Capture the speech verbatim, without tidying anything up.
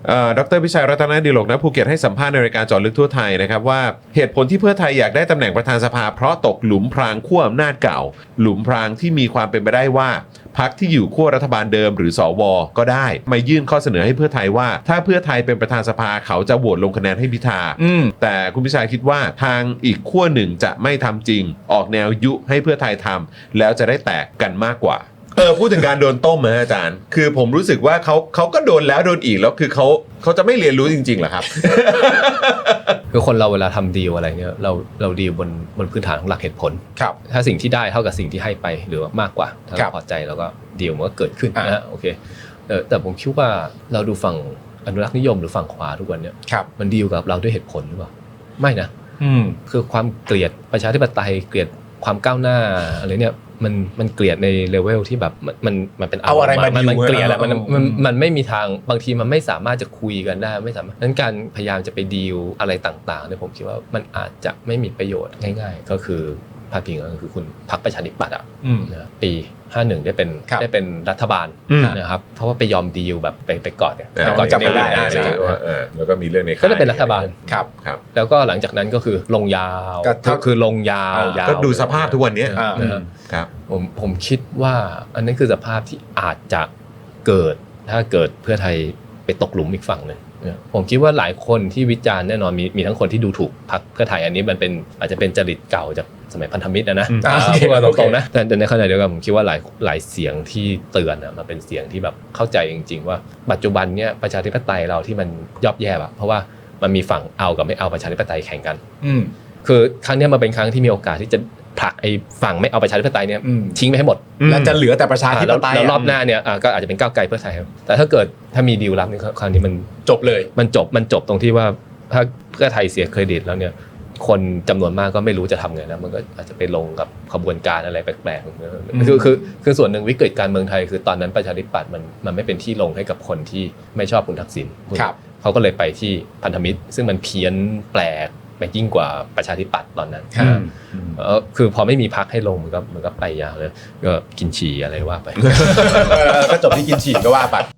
ดร.พิชัยรัตนดิโลกณภูเก็ตให้สัมภาษณ์ในรายการเจาะลึกทั่วไทยนะครับว่าเหตุผลที่เพื่อไทยอยากได้ตำแหน่งประธานสภาเพราะตกหลุมพรางขั้วอำนาจเก่าหลุมพรางที่มีความเป็นไปได้ว่าพรรคที่อยู่ขั้วรัฐบาลเดิมหรือสวก็ได้มายื่นข้อเสนอให้เพื่อไทยว่าถ้าเพื่อไทยเป็นประธานสภาเขาจะโหวตลงคะแนนให้พิธาแต่คุณพิชัยคิดว่าทางอีกขั้วหนึ่งจะไม่ทำจริงออกแนวยุให้เพื่อไทยทำแล้วจะได้แตกกันมากกว่าเออพูดถึงการโดนต้มนะอาจารย์คือผมรู้สึกว่าเขาเขาก็โดนแล้วโดนอีกแล้วคือเขาเขาจะไม่เรียนรู้จริงๆเหรอครับคือคนเราเวลาทำดีลอะไรเนี่ยเราเราดีลบนบนพื้นฐานของหลักเหตุผลครับถ้าสิ่งที่ได้เท่ากับสิ่งที่ให้ไปหรือว่ามากกว่าถ้าเราพอใจเราก็ดีลมันก็เกิดขึ้นนะฮะโอเคเออแต่ผมคิดว่าเราดูฝั่งอนุรักษ์นิยมหรือฝั่งขวาทุกวันเนี่ยมันดีลกับเราด้วยเหตุผลหรือเปล่าไม่นะคือความเกลียดประชาธิปไตยเกลียดความก้าวหน้าอะไรเนี่ยมันมันเกลียดในเลเวลที่แบบมันมันมันเป็นเอาอะไรมาดิวมันเกลียดแล้วมันมันมันไม่มีทางบางทีมันไม่สามารถจะคุยกันได้ไม่สามารถนั้นการพยายามจะไปดีลอะไรต่างๆเนี่ยผมคิดว่ามันอาจจะไม่มีประโยชน์ง่ายๆก็คือพาดพิงก็คือคุณพรรคประชาธิปัตย์อ่ะนะปีห้าสิบเอ็ดได้เป็นได้เป็นรัฐบาลนะครับเพราะว่าไปยอมดีลแบบไปไปกอดเนี่ยไปกอดจำไม่ได้แล้วก็มีเรื่องในก็ได้เป็นรัฐบาลครับครับแล้วก็หลังจากนั้นก็คือลงยาวก็คือลงยาวยาวก็ดูสภาพทุกวันนี้นะครับผมผมคิดว่าอันนั้นคือสภาพที่อาจจะเกิดถ้าเกิดเพื่อไทยไปตกหลุมอีกฝั่งนึงผมคิดว่าหลายคนที่วิจารณ์แน่นอนมีมีทั้งคนที่ดูถูกพรรคเพื่อไทยอันนี้มันเป็นอาจจะเป็นจริตเก่าจากสมัยพันธมิตรนะนะพูดมาตรงๆนะแต่ในขณะเดียวกันผมคิดว่าหลายหลายเสียงที่เตือนอ่ะมันเป็นเสียงที่แบบเข้าใจจริงๆว่าปัจจุบันเนี้ยประชาธิปไตยเราที่มันย่ำแย่อะเพราะว่ามันมีฝั่งเอากับไม่เอาประชาธิปไตยแข่งกันคือครั้งนี้มันเป็นครั้งที่มีโอกาสที่จะผลักไอ้ฝั่งไม่เอาประชาธิปไตยเนี่ยทิ้งไปให้หมดแล้วจะเหลือแต่ประชาธิปไตยแล้วรอบหน้าเนี่ยก็อาจจะเป็นก้าวไกลเพื่อไทยครับแต่ถ้าเกิดถ้ามีดีลลับนี่คราวนี้มันจบเลยมันจบมันจบตรงที่ว่าถ้าเพื่อไทยเสียเครดิตแล้วเนี่ยคนจำนวนมากก็ไม่รู้จะทำไงนะมันก็อาจจะไปลงกับขบวนการอะไรแปลกๆคือคือคือส่วนหนึ่งวิกฤตการเมืองไทยคือตอนนั้นประชาธิปัตย์มันมันไม่เป็นที่ลงให้กับคนที่ไม่ชอบคุณทักษิณเขาก็เลยไปที่พันธมิตรซึ่งมันเพี้ยนแปลกไปยิ่งกว่าประชาธิปัตย์ตอนนั้นคือพอไม่มีพรรคให้ลงมันก็มันก็ไปยาวเลยก็กินฉี่อะไรว่าไปก็จบที่กินฉี่ก็ว่าไป